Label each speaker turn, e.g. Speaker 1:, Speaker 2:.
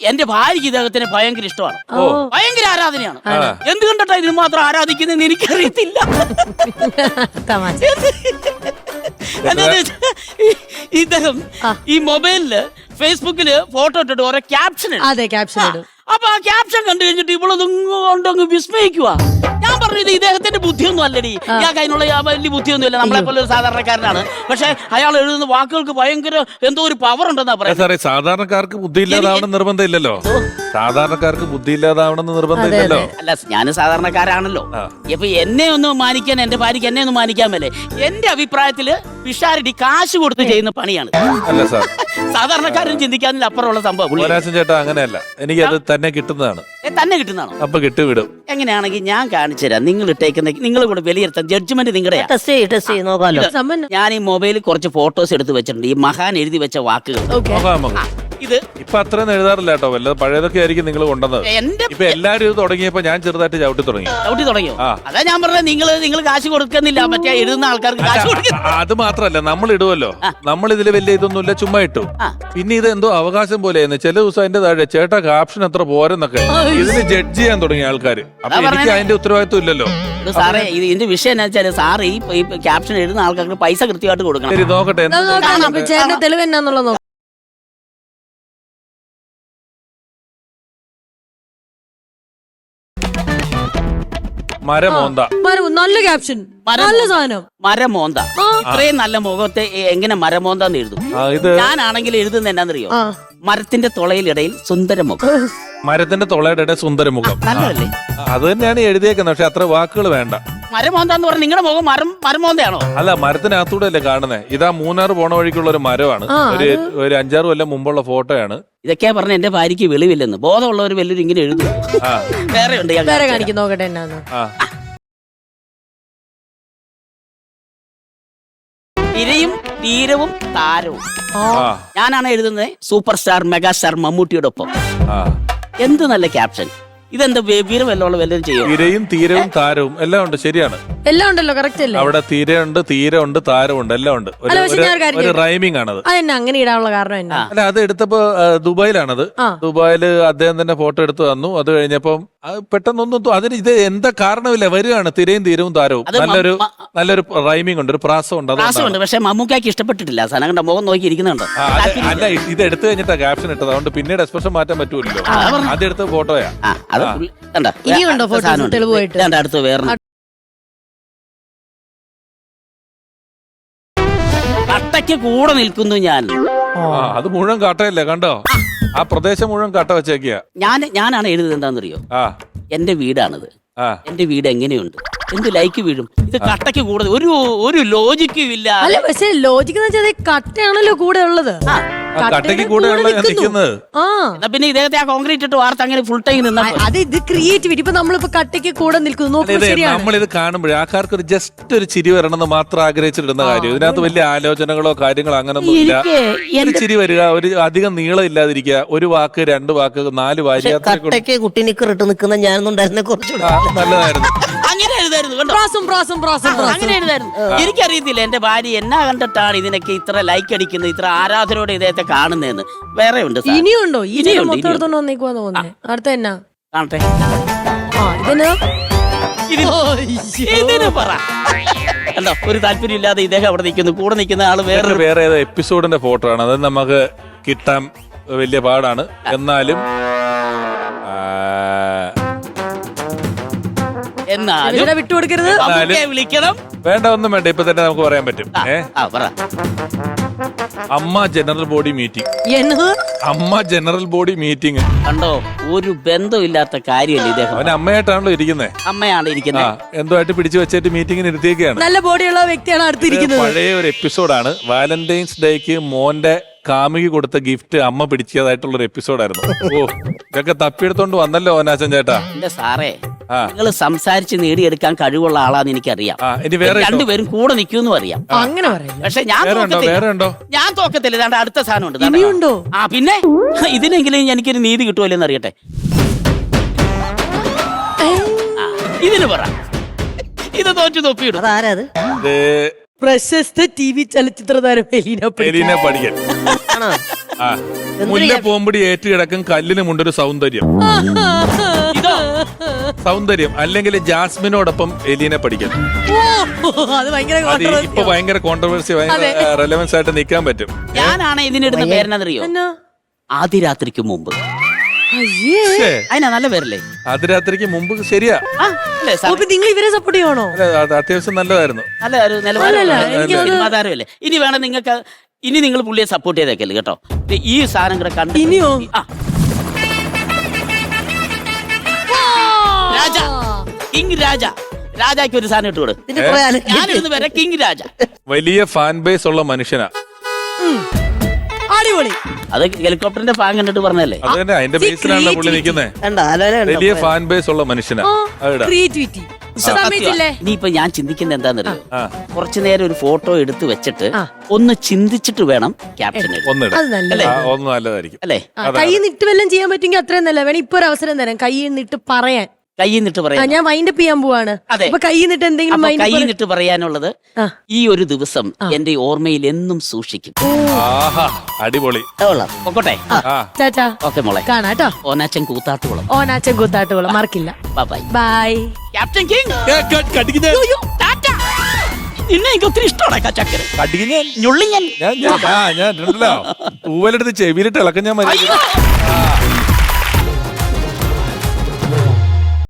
Speaker 1: എന്റെ ഭാര്യക്ക് ഇദ്ദേഹത്തിന് ഭയങ്കര ഇഷ്ടമാണ്, ഭയങ്കര ആരാധനയാണ്. എന്ത് കണ്ടിട്ടാ ഇതിന് മാത്രം ആരാധിക്കുന്നതെന്ന് എനിക്കറിയത്തില്ല. എന്താന്ന് വെച്ചാ ഇദ്ദേഹം ഈ മൊബൈലില് ഫേസ്ബുക്കില് ഫോട്ടോ ഇട്ടിട്ട് ഓരോ ക്യാപ്ഷൻ ഇടും. അപ്പൊ ആ ക്യാപ്ഷൻ കണ്ടു കഴിഞ്ഞിട്ട് ഇവളൊന്നും വിസ്മയിക്കുക. ഞാൻ പറഞ്ഞത് ഇദ്ദേഹത്തിന്റെ ബുദ്ധിയൊന്നും അല്ലടി, ഇയാൾക്ക് അതിനുള്ള വലിയ ബുദ്ധിയൊന്നുമില്ല, നമ്മളെ പോലെ ഒരു സാധാരണക്കാരനാണ്. പക്ഷെ അയാൾ എഴുതുന്ന വാക്കുകൾക്ക് ഭയങ്കര എന്തോ ഒരു പവർ ഉണ്ടെന്നാ പറയുന്നത്.
Speaker 2: സാധാരണക്കാർക്ക് ബുദ്ധിയില്ലാതാവണം നിർബന്ധമില്ലല്ലോ. സാധാരണക്കാർക്ക് ബുദ്ധിയില്ലാതാവണമെന്ന് നിർബന്ധമില്ലല്ലോ.
Speaker 1: അല്ല, ഞാൻ സാധാരണക്കാരാണല്ലോ. ഇപ്പൊ എന്നെ ഒന്ന് മാനിക്കാൻ, എന്റെ ഭാര്യക്ക് എന്നെ ഒന്ന് മാനിക്കാൻ മേലെ. എന്റെ അഭിപ്രായത്തില് പിഷാരടി കാശ് കൊടുത്ത് ചെയ്യുന്ന പണിയാണ്.
Speaker 2: അല്ല സാർ,
Speaker 1: സാധാരണക്കാരൻ ചിന്തിക്കാനില്ല അപ്പുറമുള്ള സംഭവം.
Speaker 2: ചേട്ടാ അങ്ങനെയല്ല, എനിക്കത് തന്നെ കിട്ടുന്നതാണോ?
Speaker 1: തന്നെ കിട്ടുന്നതാണോ?
Speaker 2: അപ്പൊ കിട്ടുവിടും.
Speaker 1: എങ്ങനെയാണെങ്കിൽ ഞാൻ കാണിച്ചു തരാം. നിങ്ങൾ ഇട്ടേക്കുന്ന നിങ്ങൾ കൂടെ വിലയിരുത്താൻ, ജഡ്ജ്മെന്റ് നിങ്ങളുടെ. ഞാൻ ഈ മൊബൈലിൽ കുറച്ച് ഫോട്ടോസ് എടുത്ത് വെച്ചിട്ടുണ്ട്, ഈ മഹാൻ എഴുതി വെച്ച വാക്കുകൾ. ഇത്
Speaker 2: ഇപ്പൊ അത്രയൊന്നും എഴുതാറില്ല കേട്ടോ, വല്ല പഴയതൊക്കെ ആയിരിക്കും നിങ്ങൾ കൊണ്ടുവന്നത്. ഇപ്പൊ എല്ലാരും ഇത് തുടങ്ങിയപ്പോ ഞാൻ ചെറുതായിട്ട് ചവിട്ടി തുടങ്ങിയോ?
Speaker 1: അതാ ഞാൻ പറഞ്ഞത്, നിങ്ങൾ കാശ് കൊടുക്കുന്നില്ല, മറ്റേ എഴുതുന്ന ആൾക്കാർക്ക് കാശ് കൊടുക്കും.
Speaker 2: അത് മാത്രല്ല, നമ്മൾ ഇടുവല്ലോ, നമ്മൾ ഇതില് വലിയ ഇതൊന്നുമില്ല, ചുമ്മാ ഇട്ടു. പിന്നെ ഇത് എന്തോ അവകാശം പോലെയായിരുന്നു. ചില ദിവസം അതിന്റെ താഴെ ചേട്ടാ ക്യാപ്ഷൻ എത്ര പോരെന്നൊക്കെ ഇതിന് ജഡ്ജ് ചെയ്യാൻ തുടങ്ങിയ ആൾക്കാർ. അപ്പൊ എനിക്ക് അതിന്റെ ഉത്തരവാദിത്വം ഇല്ലല്ലോ.
Speaker 1: സാറേ, ഇതിന്റെ വിഷയം എന്താ വെച്ചാൽ, സാറ് ഈ ക്യാപ്ഷൻ എഴുതുന്ന ആൾക്കാർക്ക് പൈസ കൃത്യമായിട്ട് കൊടുക്കണം.
Speaker 2: ശരി, നോക്കട്ടെ
Speaker 3: തെളിവ് എന്നാന്നുള്ളത്.
Speaker 2: മരമോന്ത,
Speaker 3: നല്ല ക്യാപ്ഷൻ, നല്ല സാധനം.
Speaker 1: മരമോന്ത. ഇത്രയും നല്ല മുഖത്തെ എങ്ങനെ മരമോന്താന്ന് എഴുതും? ഞാനാണെങ്കിൽ എഴുതുന്ന എന്നാന്നറിയോ? മരത്തിന്റെ തുളയിലിടയിൽ സുന്ദരമുഖം.
Speaker 2: മരത്തിന്റെ തുളയുടെ ഇടയിൽ സുന്ദരമുഖം.
Speaker 1: നല്ലതല്ലേ?
Speaker 2: അത് തന്നെയാണ് എഴുതിയേക്കുന്നത്. പക്ഷെ അത്ര വാക്കുകൾ വേണ്ട.
Speaker 1: മരമോന്താന്ന് പറഞ്ഞ നിങ്ങളുടെ മുഖം മരമോന്തയാണോ?
Speaker 2: അല്ല, മരത്തിനകത്തൂടെ അല്ലേ കാണുന്നത്. ഇതാ മൂന്നാർ പോണ വഴിക്കുള്ള ഒരു മരമാണ്. ഒരു 5-6 കൊല്ലം മുമ്പുള്ള ഫോട്ടോയാണ്.
Speaker 1: ഇതൊക്കെയാ പറഞ്ഞ എന്റെ ഭാര്യക്ക് വെളിവില്ലെന്ന്. ബോധമുള്ളവർ വലിയൊരു ഇങ്ങനെ എഴുതും. വേറെ ഉണ്ട്,
Speaker 3: വേറെ കാണിക്കും, നോക്കട്ടെ എന്നാന്ന്.
Speaker 1: തിരയും തീരവും താരവും. ഞാനാണ് എഴുതുന്നത് സൂപ്പർ സ്റ്റാർ മെഗാസ്റ്റാർ മമ്മൂട്ടിയുടെ ഒപ്പം. എന്ത് നല്ല ക്യാപ്ഷൻ! ഇതെന്താ വീരം എല്ലാം വല്ലതും ചെയ്യും?
Speaker 2: തിരയും തീരവും താരവും എല്ലാം ഉണ്ട്. ശരിയാണ്,
Speaker 3: എല്ലാം ഉണ്ടല്ലോ, കറക്റ്റ് അല്ലേ?
Speaker 2: അവിടെ തിരയുണ്ട്, തീരമുണ്ട്, താരമുണ്ട്, എല്ലാം ഉണ്ട്. ഒരു റൈമിംഗ് ആണത്.
Speaker 3: അങ്ങനെ ഇടാനുള്ള കാരണം എന്നാ?
Speaker 2: അല്ല, അത് എടുത്തപ്പോ ദുബായിലാണത്. ദുബായില് അദ്ദേഹം തന്നെ ഫോട്ടോ എടുത്ത് തന്നു. അത് കഴിഞ്ഞപ്പം പെട്ടെന്നൊന്നും അതിന് ഇത് എന്താ കാരണമില്ല, വരികയാണ് തിരയും തീരവും താരവും. നല്ലൊരു റൈമിംഗ് ഉണ്ട്, ഒരു പ്രാസം ഉണ്ട്.
Speaker 1: പക്ഷെ മമ്മൂക്കാക്ക് ഇഷ്ടപ്പെട്ടിട്ടില്ല. സനകണ്ട മുഖം നോക്കി ഇരിക്കുന്നുണ്ട്.
Speaker 2: അല്ല, ഇത് എടുത്തു കഴിഞ്ഞിട്ടാ ക്യാപ്ഷൻ ഇട്ടത്. അതുകൊണ്ട് പിന്നീട് എക്സ്പ്രഷൻ മാറ്റാൻ പറ്റൂല്ലോ. അതെടുത്ത ഫോട്ടോയാ.
Speaker 3: ഇനിയുണ്ടോ ഫോട്ടോ തെളിവായിട്ട്?
Speaker 1: അടുത്ത് വേറെ കട്ടയ്ക്ക് കൂടെ നിൽക്കുന്നു ഞാൻ.
Speaker 2: അത് മുഴുവൻ കാട്ടയല്ലേ, കണ്ടോ? ആ പ്രദേശം മുഴുവൻ കട്ട വെച്ചേക്കിയ.
Speaker 1: ഞാനാണ് എഴുതുന്നത്. എന്താണെന്നറിയോ? എന്റെ വീടാണിത്. എന്റെ വീട് എങ്ങനെയുണ്ട്, എന്ത് ലൈക്ക് വീഴും. ഇത് കട്ടയ്ക്ക് കൂടുതൽ ഒരു ലോജിക്കും ഇല്ല.
Speaker 3: അല്ല, പക്ഷെ ലോജിക്ക് കട്ടയാണല്ലോ കൂടെ ഉള്ളത്.
Speaker 2: കട്ടയ്ക്ക് കൂടെ നിൽക്കുന്നത്.
Speaker 1: പിന്നെ ഇദ്ദേഹത്തെ ആ കോൺക്രീറ്റ് ഇട്ട് വാർത്ത അങ്ങനെ ഫുൾ ടൈം നിന്നാ
Speaker 3: അത് ഇത് ക്രിയേറ്റിവിറ്റി. ഇപ്പൊ നമ്മളിപ്പോ കട്ടയ്ക്ക് കൂടെ നിൽക്കുന്നു.
Speaker 2: നമ്മളിത് കാണുമ്പോഴേ ആൾക്കാർക്ക് ഒരു ജസ്റ്റ് ഒരു ചിരി വരണമെന്ന് മാത്രം ആഗ്രഹിച്ചിടുന്ന കാര്യം. ഇതിനകത്ത് വലിയ ആലോചനകളോ കാര്യങ്ങളോ അങ്ങനൊന്നും ഇല്ല. ഒരു ചിരി വരിക, ഒരു അധികം നീളം ഇല്ലാതിരിക്കുക, ഒരു വാക്ക്, 2 വാക്ക്, 4 വാരി.
Speaker 1: കുട്ടി നിക്കറിട്ട് നിൽക്കുന്ന ഞാനൊന്നുണ്ടായിരുന്ന കുറച്ചുകൂടെ
Speaker 2: നല്ലതായിരുന്നു.
Speaker 1: അങ്ങനെ എഴുതായിരുന്നു. അങ്ങനെ എഴുതായിരുന്നു. എനിക്കറിയത്തില്ല എന്റെ ഭാര്യ എന്നാ കണ്ടിട്ടാണ് ഇതിനൊക്കെ ഇത്ര ലൈക്ക് അടിക്കുന്നത്, ഇത്ര ആരാധനയോടെ ഇദ്ദേഹത്തെ കാണുന്നതെന്ന്. വേറെ ഉണ്ട്.
Speaker 3: ഇനിയുണ്ടോ? അടുത്ത എന്നാ
Speaker 1: കാണട്ടെ.
Speaker 3: ഇതിന്
Speaker 1: പറ. അല്ല, ഒരു താല്പര്യം ഇല്ലാതെ ഇദ്ദേഹം അവിടെ നിൽക്കുന്നു. കൂടെ നിൽക്കുന്ന ആള്
Speaker 2: വേറെ ഏതോ എപ്പിസോഡിന്റെ ഫോട്ടോ ആണ്. അത് നമുക്ക് കിട്ടാൻ വലിയ പാടാണ്. എന്നാലും
Speaker 3: വിട്ടുകൊടുക്കരുത്.
Speaker 1: വിളിക്കണം.
Speaker 2: വേണ്ട, ഒന്നും വേണ്ട. ഇപ്പൊ തന്നെ നമുക്ക് പറയാൻ പറ്റും. AMMA general body meeting. AMMA general body meeting
Speaker 1: കണ്ടോ? ഒരു ബന്ധമില്ലാത്ത കാര്യമല്ലേ ഇദ്ദേഹം.
Speaker 2: അവൻ അമ്മയായിട്ടാണല്ലോ ഇരിക്കുന്നത്.
Speaker 1: അമ്മയാണ് ഇരിക്കുന്നത്.
Speaker 2: എന്തുമായിട്ട് പിടിച്ചു വെച്ചിട്ട് മീറ്റിംഗിന് ഇരുത്തിയൊക്കെയാണ്.
Speaker 3: നല്ല ബോഡിയുള്ള വ്യക്തിയാണ് അടുത്തിരിക്കുന്നത്.
Speaker 2: പഴയ ഒരു എപ്പിസോഡാണ്. വാലന്റൈൻസ് ഡേക്ക് മോന്റെ കാമുകി കൊടുത്ത ഗിഫ്റ്റ് അമ്മ പിടിച്ചതായിട്ടുള്ള ഒരു എപ്പിസോഡായിരുന്നു. ഓ, ഇതൊക്കെ തപ്പിയെടുത്തോണ്ട് വന്നല്ലോ ഓനാച്ചൻ ചേട്ടാ.
Speaker 1: എന്റെ സാറേ, നിങ്ങൾ സംസാരിച്ച് നേടിയെടുക്കാൻ കഴിവുള്ള ആളാന്ന് എനിക്കറിയാം. രണ്ടുപേരും കൂടെ നിൽക്കുമെന്നും അറിയാം.
Speaker 3: അങ്ങനെ പറയാം.
Speaker 1: പക്ഷെ ഞാൻ തോക്കത്തില്ല. അടുത്ത സാധനം ഉണ്ട്. പിന്നെ ഇതിനെങ്കിലും എനിക്കൊരു നീതി കിട്ടുമല്ലോ എന്ന് അറിയട്ടെ. ഇതിന് പറ. ഇത് തോറ്റു തൊപ്പിയിടും.
Speaker 3: പ്രശസ്ത TV ചലച്ചിത്ര താരം
Speaker 2: എലീനെ പഠിക്കൽ. ആ മുല്ല പോകുമ്പടി ഏറ്റുകിടക്കും കല്ലിന് മുണ്ടൊരു സൗന്ദര്യം.
Speaker 1: ഇതോ
Speaker 2: സൗന്ദര്യം അല്ലെങ്കിൽ ജാസ്മിനോടൊപ്പം എലീനെ പഠിക്കൽ.
Speaker 3: അത് ഭയങ്കര
Speaker 2: അത് ഇപ്പൊ ഭയങ്കര കോൺട്രവേഴ്സി, ഭയങ്കര റെലവൻസ് ആയിട്ട് നിൽക്കാൻ പറ്റും.
Speaker 1: ഞാനാണ് ഇതിനിടുന്ന പേരെന്നറിയോ? ആദ്യ രാത്രിക്ക് മുമ്പ്. അതിനാ നല്ല പേരല്ലേ?
Speaker 2: അതിരാത്രിക്ക് മുമ്പ്. ശരിയാ,
Speaker 1: അല്ലേ സാർ?
Speaker 3: നിങ്ങൾ ഇവരെ സപ്പോർട്ട് ചെയ്യണോ?
Speaker 2: അത് അത്യാവശ്യം നല്ലതായിരുന്നു.
Speaker 1: നല്ല ഒരു നിലവാരമല്ലേ? ഇനി വേണം നിങ്ങൾക്ക്, ഇനി നിങ്ങൾ പുള്ളിയെ സപ്പോർട്ട് ചെയ്തേക്കല്ലേ കേട്ടോ. ഈ സാധനം കൂടെ കണ്ടു.
Speaker 3: ഇനിയോ?
Speaker 1: രാജ, കിങ് രാജ. രാജാക്ക് ഒരു സാധനം ഇട്ട് കൊടു. ഞാനിരുന്ന് വരെ കിങ് രാജ.
Speaker 2: വലിയ ഫാൻ ബേസ് ഉള്ള മനുഷ്യനാ.
Speaker 3: അടിപൊളി.
Speaker 1: അത് ഹെലികോപ്റ്ററിന്റെ ഫാൻ കണ്ടിട്ട് പറഞ്ഞല്ലേ?
Speaker 2: അത് തന്നെ, അതിന്റെ ബേസിലാണല്ലോ പുള്ളി നിൽക്കുന്നത്. വലിയ ഫാൻ ബേസ് ഉള്ള മനുഷ്യനാ.
Speaker 3: ക്രിയേറ്റിവിറ്റി.
Speaker 1: ഇനിയിപ്പൊ ഞാൻ ചിന്തിക്കുന്നത് എന്താണെന്നറിയോ? കുറച്ചു നേരം ഒരു ഫോട്ടോ എടുത്ത് വെച്ചിട്ട് ഒന്ന് ചിന്തിച്ചിട്ട് വേണം ക്യാപ്ഷൻ
Speaker 2: ഒന്ന് നല്ലതായിരിക്കും
Speaker 1: അല്ലേ?
Speaker 3: കൈ നിട്ട് വല്ലതും ചെയ്യാൻ പറ്റുമെങ്കിൽ അത്രയും നല്ല. വേണം ഇപ്പൊ ഒരു അവസരം തരാം, കൈ നിട്ട് പറയാൻ.
Speaker 1: കൈ നിട്ട് പറയാൻ
Speaker 3: ഞാൻ വൈൻഡപ്പ് ചെയ്യാൻ പോവാണ്. അപ്പൊ കൈ നിട്ട് എന്തെങ്കിലും
Speaker 1: കൈ നിട്ട് പറയാനുള്ളത് ഈ ഒരു ദിവസം എന്റെ ഓർമ്മയിൽ എന്നും സൂക്ഷിക്കും.
Speaker 2: അടിപൊളി.
Speaker 1: പൊക്കോട്ടെ.
Speaker 3: ചാച്ചാ
Speaker 1: ഓക്കെ മോളെ,
Speaker 3: കാണാട്ടോ.
Speaker 1: ഓനാച്ചൻ കൂത്താട്ടുകുളം.
Speaker 3: ഓനാച്ചൻ കൂത്താട്ടുകുളം മറക്കില്ല.
Speaker 1: Bye
Speaker 3: bye.
Speaker 1: Captain king. നിന്നെ എനിക്ക് ഒത്തിരി ഇഷ്ടമാണ് ചക്കര.
Speaker 2: ഞാൻ തൂവലെടുത്ത് ചെവിയിലിട്ട് ഇളക്കം ഞാൻ മതി.